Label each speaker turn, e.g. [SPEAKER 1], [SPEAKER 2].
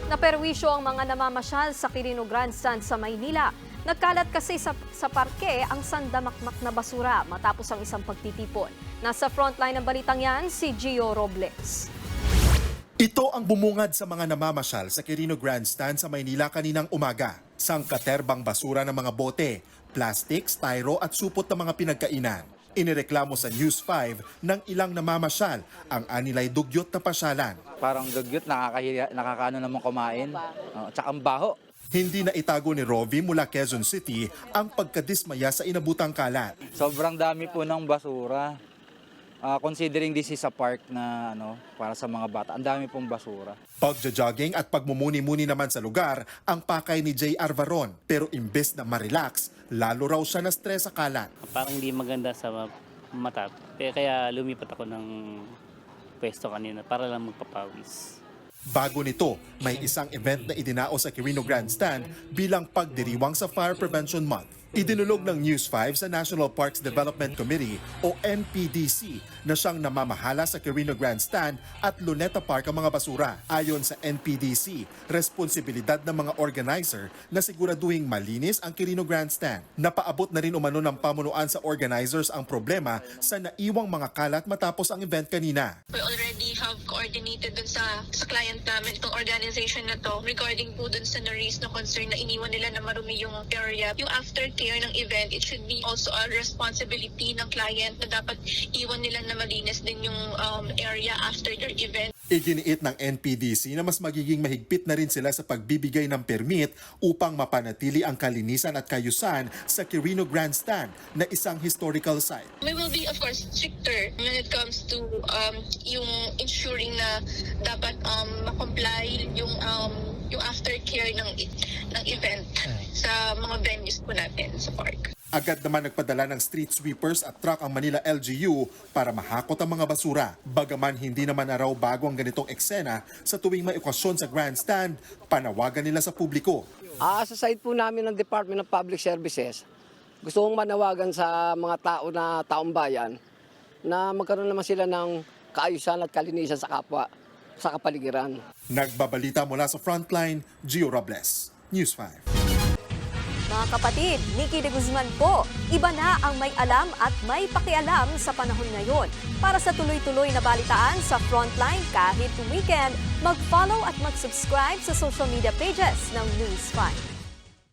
[SPEAKER 1] Naperwisyo ang mga namamasyal sa Quirino Grandstand sa Maynila. Nagkalat kasi sa parke ang sandamakmak na basura matapos ang isang pagtitipon. Nasa frontline ng balitang yan, si Gio Robles.
[SPEAKER 2] Ito ang bumungad sa mga namamasyal sa Quirino Grandstand sa Maynila kaninang umaga. Sangkaterbang basura ng mga bote, plastic, styro at supot ng mga pinagkainan. Inireklamo sa News 5 ng ilang namamasyal ang anilay dugyot na pasyalan.
[SPEAKER 3] Parang dugyot, nakakahiya, nakakaano naman kumain. Tsaka ang baho.
[SPEAKER 2] Hindi na itago ni Rovi mula Quezon City ang pagkadismaya sa inabutang kalat.
[SPEAKER 3] Sobrang dami po ng basura. Considering this is a park na para sa mga bata, ang dami pong basura.
[SPEAKER 2] Pagja-jogging at pagmumuni-muni naman sa lugar ang pakay ni J.R. Varon. Pero imbes na ma-relax, lalo raw siya na-stress sa kalat.
[SPEAKER 4] Parang hindi maganda sa mata. Kaya lumipat ako ng pwesto kanina para lang magpapawis.
[SPEAKER 2] Bago nito, may isang event na idinao sa Quirino Grandstand bilang pagdiriwang sa Fire Prevention Month. Idinulog ng News 5 sa National Parks Development Committee o NPDC na siyang namamahala sa Quirino Grandstand at Luneta Park ang mga basura. Ayon sa NPDC, responsibilidad ng mga organizer na siguraduhing malinis ang Quirino Grandstand. Napaabot na rin umano ng pamunuan sa organizers ang problema sa naiwang mga kalat matapos ang event kanina.
[SPEAKER 5] We already have coordinated dun sa client namin itong organization na to regarding po dun sa na-raise na concern na iniwan nila na marumi yung area. Yung aftercare ng event, it should be also a responsibility ng client na dapat iwan nila na malinis din yung area after their event.
[SPEAKER 2] Iginiit ng NPDC na mas magiging mahigpit na rin sila sa pagbibigay ng permit upang mapanatili ang kalinisan at kayusan sa Quirino Grandstand na isang historical site.
[SPEAKER 5] We will be, of course, stricter when it comes to yung ensuring na dapat ma-comply yung aftercare ng event sa mga venues po natin sa park.
[SPEAKER 2] Agad naman nagpadala ng street sweepers at truck ang Manila LGU para mahakot ang mga basura. Bagaman hindi naman na raw bago ang ganitong eksena sa tuwing may okasyon sa grandstand, panawagan nila sa publiko.
[SPEAKER 6] Sa side po namin ng Department of Public Services, gusto kong manawagan sa mga taong bayan na magkaroon naman sila ng kaayusan at kalinisan sa kapwa, sa kapaligiran.
[SPEAKER 2] Nagbabalita mula sa Frontline, Gio Robles, News 5.
[SPEAKER 1] Mga kapatid, Nikki de Guzman po, iba na ang may alam at may pakialam sa panahon ngayon. Para sa tuloy-tuloy na balitaan sa Frontline kahit weekend, mag-follow at mag-subscribe sa social media pages ng News 5.